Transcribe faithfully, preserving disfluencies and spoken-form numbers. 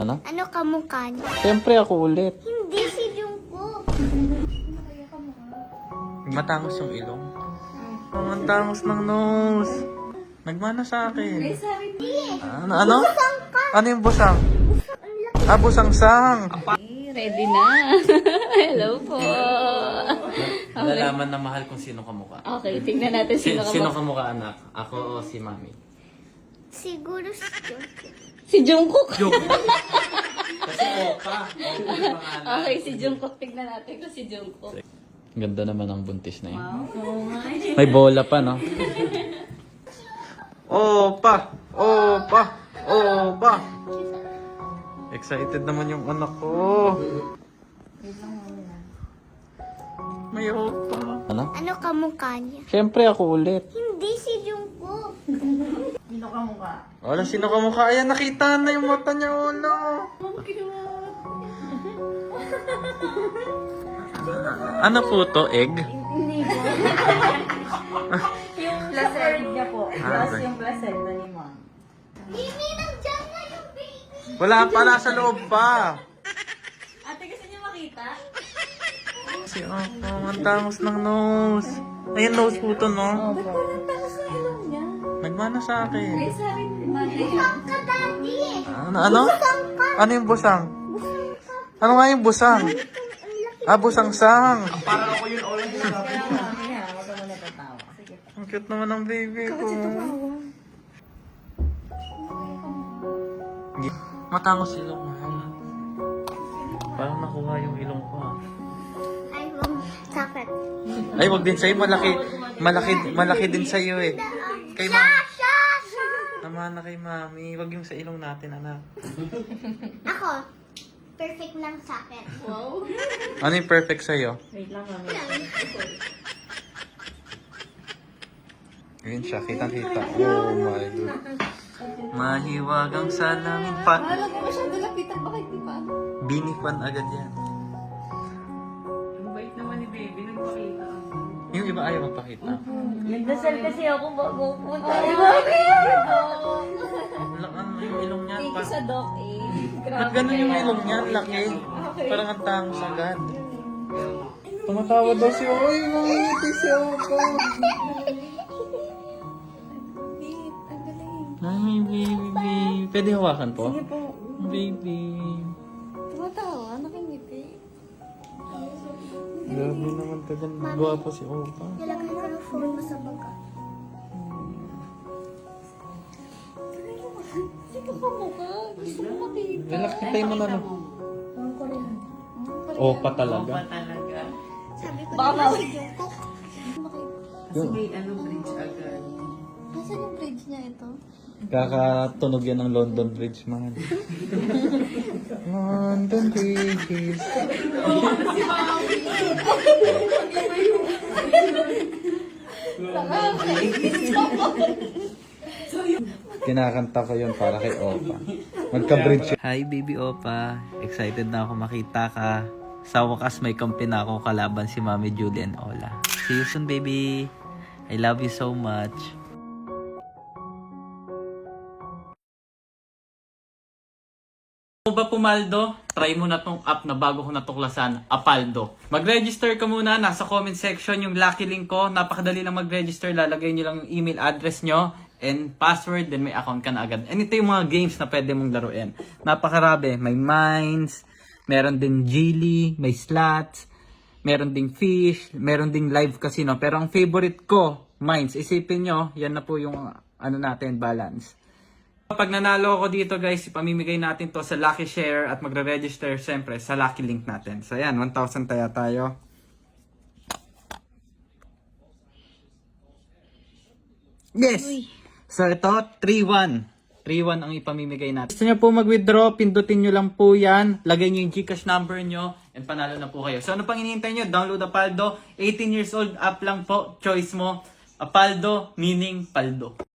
Ano? Ano kamukha niya? Siyempre ako ulit. Hindi si Jungkook. Matangos yung ilong. Oh, ang tangos ng nose. Nagmana sa akin. Ano? Ano? Ano yung busang? Ah, busang-sang. Ready na. Hello po. Nalalaman na mahal kung sino kamukha. Okay, tingnan natin Si, sino ka sino ba. kamukha, anak? Ako o si mami? Siguro si Jungkook. Si Jungkook. Kasi opa. Opa yung pangalan. Okay, si Jungkook. Tingnan natin kung si Jungkook. Ganda naman ang buntis na yun. Oh my. May bola pa, no? Opa! Opa! Opa! Excited naman yung anak ko. May opa. Ano? Ano kamukha niya? Siyempre ako ulit. Hindi si Jungkook. Wala, sino kamukha? Ayan, nakita na yung mata niya, ulo. Ano po to? Egg? Yung placenta niya po. Ah, Plus okay. yung placenta ni mom. Mimi, nandiyan na yung baby. Wala pala sa loob pa. Ate, gusto niyo makita? Si Opo, ang tangos ng nose. Ayan, nose po to, no? Ba't walang takas na ilong niya? Nagmana sa akin. Ay, sabi ni mother. Busang ka, daddy. Ano? Ano? Ano yung busang? Ano nga yung busang? Ah, busang-sang. Kaya mami ha, wag ka muna tatawa. Sige. Ang cute naman ng baby ko. Matangos ilong, mahal. Parang nakuha yung ilong ko, ah. Ay, mong sakit. Ay, wag din sa'yo. Malaki, malaki, malaki din sa'yo eh. Kay Siya, mami. siya, siya. Naman na kay mami. Wag yung sa ilong natin, anak. Ako, perfect lang sakit. Wow. Ano yung perfect sa'yo? Wait lang mami. Ayun siya, kitang-kita. Oh my God. Mahiwagang salamin pa. Alam mo, masyado lapitan. Bakit di ba? Binifan agad yan. Ang bait naman ni baby, nagpakita. Yung iba ayaw magpakita. Nagdasal kasi ako bago punta. Ay, mami! Wala, ano yung ilong niya? Thank you Pa- sa doc eh. Ba't ganun yung ilong niya? Laki. Parang ang tangos agad. Tumatawa daw si Oy. Mangiti si Opo. Ang galing. Ay, baby. Pwede hawakan po? Sige po. Baby. Tumatawa. Nakingiti. Grabe naman tagal. Gwapo si Opa. Nilagay ko yung phone mo sa baga. Sino ka mukha? Gusto ko makita. Relax, kitay mo na lang. Ang korean. Opa talaga. talaga. Sabi ko, Baka diba mawala. si Jungkook? Kasi may ano bridge agad. Nasaan yung bridge niya ito? Kakatunog yan ng London Bridge, man. London Bridge. Kinakanta ko yun para kay Opa. Magka-bridge. Hi, baby Opa. Excited na ako makita ka. Sa wakas may kampi na ako kalaban si Mami Julie and Ola. See you soon, baby. I love you so much. Kung ba pumaldo, try mo na tong app na bago ko natuklasan, Apaldo. Mag-register ka muna, nasa comment section yung lucky link ko. Napakadali lang mag-register, lalagay nyo lang yung email address nyo and password, then may account ka na agad. And ito yung mga games na pwede mong laruin. Napakarabi, may mines, meron din Geely, may slots, meron ding fish, meron ding live casino. Pero ang favorite ko, mines. Isipin nyo, yan na po yung ano natin, balance. Pag nanalo ako dito guys, ipamimigay natin to sa Lucky Share at magre-register siyempre sa Lucky Link natin. So ayan, one thousand taya tayo. Yes! So ito, three one. three one ang ipamimigay natin. Gusto nyo po mag-withdraw, pindutin nyo lang po yan. Lagay nyo yung Gcash number nyo and panalo na po kayo. So ano pang hinihintay nyo? Download Apaldo. eighteen years old app lang po. Choice mo. Apaldo meaning paldo.